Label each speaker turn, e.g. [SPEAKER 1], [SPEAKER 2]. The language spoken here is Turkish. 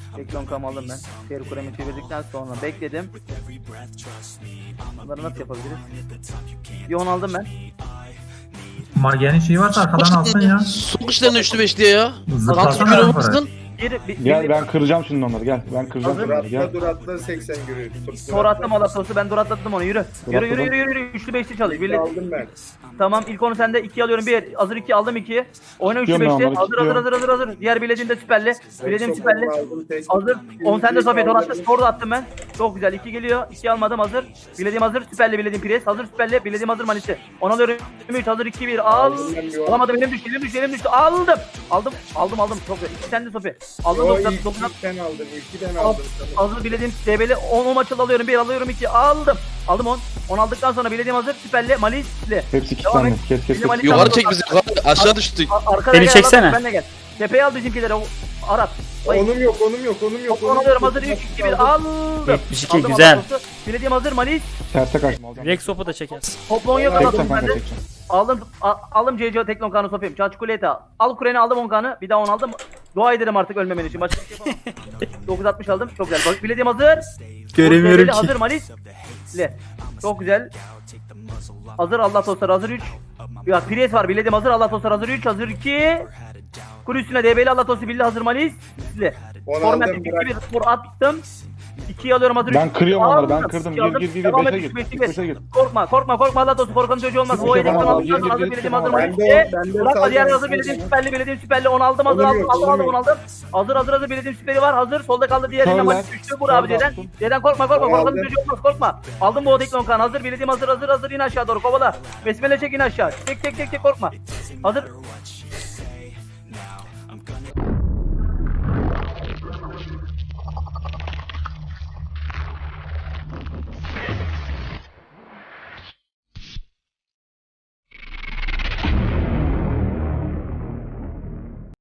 [SPEAKER 1] Teklon kam aldım ben. Şehir kuremi çevirdikten sonra bekledim. Bunları nasıl yapabiliriz? Yon aldım ben.
[SPEAKER 2] Magenin şeyi varsa arkadan alsın ya.
[SPEAKER 3] Sok işlerine 3'lü 5 diye ya.
[SPEAKER 2] Zıplasana
[SPEAKER 3] Kalk bir
[SPEAKER 2] yukarı.
[SPEAKER 3] olmasın.
[SPEAKER 4] Gel ben kıracağım şimdi onları gel. Ben kıracağım
[SPEAKER 1] Hazır.
[SPEAKER 4] onları gel.
[SPEAKER 5] Dur atla 80 yürü.
[SPEAKER 1] Sonra attım Alatos'u, ben dur atlattım onu, yürü. Yürü yürü yürü yürü, üçlü beşli çalış. Birlik.
[SPEAKER 5] Aldım ben.
[SPEAKER 1] Tamam, ilk onu sende, 2 alıyorum, 1. Hazır 2 aldım 2'yi. Oyna üçlü
[SPEAKER 4] Tutuyorum ben
[SPEAKER 1] beşli.
[SPEAKER 4] onları,
[SPEAKER 1] Hazır hazır
[SPEAKER 4] tutuyorum.
[SPEAKER 1] hazır hazır hazır. Diğer bilediğin de süperli. Bilediğim süperli.
[SPEAKER 5] Aldım, tek.
[SPEAKER 1] Hazır. 10 sende Sofya, tor attı. Tor da attım ben. Çok güzel. 2 geliyor. 2 almadım, hazır. Bilediğim hazır. Süperli bilediğim pres. Hazır süperli. Bilediğim hazır manisi. 10 alıyorum. 3 hazır 2 1. Al.
[SPEAKER 5] Aldım ben bir on.
[SPEAKER 1] Alamadım, elim düştü. Aldım. Aldım. Çok güzel. 2 sende Sofya. Aldım
[SPEAKER 5] Yo
[SPEAKER 1] 9
[SPEAKER 5] ilk
[SPEAKER 1] 9.
[SPEAKER 5] ben aldım. İlki ben aldım.
[SPEAKER 1] Hazır bilediğim DB'li 10 maçı alıyorum. 1 alıyorum 2. Aldım 10. 10 aldıktan sonra bilediğim hazır. Süperli Malisli.
[SPEAKER 4] Hepsi iki
[SPEAKER 1] Devam
[SPEAKER 4] tane.
[SPEAKER 1] et.
[SPEAKER 4] Kes kes kes.
[SPEAKER 3] Yukarı çek bizi yukarı. Aşağı düştük.
[SPEAKER 1] Arkada
[SPEAKER 6] Beni
[SPEAKER 1] gel,
[SPEAKER 6] çeksene.
[SPEAKER 1] Arat, Ben de gel. Tepeye al bizimkileri. Arat.
[SPEAKER 5] Onum yok.
[SPEAKER 1] Onu alıyorum, hazır 3 2 1 aldım.
[SPEAKER 6] 72
[SPEAKER 1] Aldım,
[SPEAKER 6] güzel.
[SPEAKER 1] Aratos'u. Bilediğim hazır Malis.
[SPEAKER 4] Terse kaçtım alacağım.
[SPEAKER 6] Rex sopu da çekersin.
[SPEAKER 1] Toplon yok,
[SPEAKER 4] Çekeceğim
[SPEAKER 1] Aratos'u
[SPEAKER 4] kanka
[SPEAKER 1] bende.
[SPEAKER 4] çekeceğim.
[SPEAKER 1] Aldım CC Teklon kanı sopayım. Çaçkuleta. Al Kuren'i aldım 10 kanı. Bir daha 10 aldım. Dua ederim artık ölmemen için. Başka bir şey yapamam. 960 aldım. Çok güzel. Bak bilediğim hazır.
[SPEAKER 6] Göremiyorum
[SPEAKER 1] DB'li
[SPEAKER 6] ki.
[SPEAKER 1] Hazır Malis. Çok güzel. Hazır Allah dostlar, hazır 3. Ya Pires var bilediğim hazır Allah dostlar, hazır 3 hazır 2. Kur üstüne DB'li Allah dostu bildi hazır Malis.
[SPEAKER 5] Onu
[SPEAKER 1] Format
[SPEAKER 5] aldım,
[SPEAKER 1] 2
[SPEAKER 5] bırak.
[SPEAKER 1] 1 spor attım. 2'yi alıyorum hazır.
[SPEAKER 4] Ben
[SPEAKER 1] üç.
[SPEAKER 4] kırıyorum onları,
[SPEAKER 1] Aldım.
[SPEAKER 4] ben kırdım.
[SPEAKER 1] İki aldım.
[SPEAKER 4] Gir, gir,
[SPEAKER 1] Devam
[SPEAKER 4] beşe
[SPEAKER 1] et,
[SPEAKER 4] gir.
[SPEAKER 1] beşe gir.
[SPEAKER 4] Beşe gir.
[SPEAKER 1] Korkma Allah dostu, korkanın çocuğu olmaz.
[SPEAKER 4] Sıkı
[SPEAKER 1] O
[SPEAKER 4] yapamam
[SPEAKER 1] hedeften
[SPEAKER 4] abi. Gir,
[SPEAKER 1] aldım
[SPEAKER 4] gir,
[SPEAKER 1] hazır
[SPEAKER 4] gir,
[SPEAKER 1] bilediğim
[SPEAKER 4] gir.
[SPEAKER 1] hazır
[SPEAKER 5] Ben
[SPEAKER 1] Malis.
[SPEAKER 5] de- ben de
[SPEAKER 1] Bırakma diğer
[SPEAKER 5] sağ-
[SPEAKER 1] hazır bilediğim süperli onu aldım hazır
[SPEAKER 5] Onum
[SPEAKER 1] aldım
[SPEAKER 5] yok,
[SPEAKER 1] aldım
[SPEAKER 5] onum
[SPEAKER 1] onu aldım. Hazır bilediğim süperi var hazır. Solda kaldı diğerine
[SPEAKER 4] Körler.
[SPEAKER 1] Malis düştü. Vur abi
[SPEAKER 4] Körler
[SPEAKER 1] C'den.
[SPEAKER 4] attım.
[SPEAKER 1] C'den korkma
[SPEAKER 5] Onu
[SPEAKER 1] korkanın
[SPEAKER 5] aldım.
[SPEAKER 1] çocuğu olmaz korkma. Aldım bu Odeklon kan hazır bilediğim hazır in aşağı doğru kovala. Besmele çek in aşağı. Çek korkma. Hazır.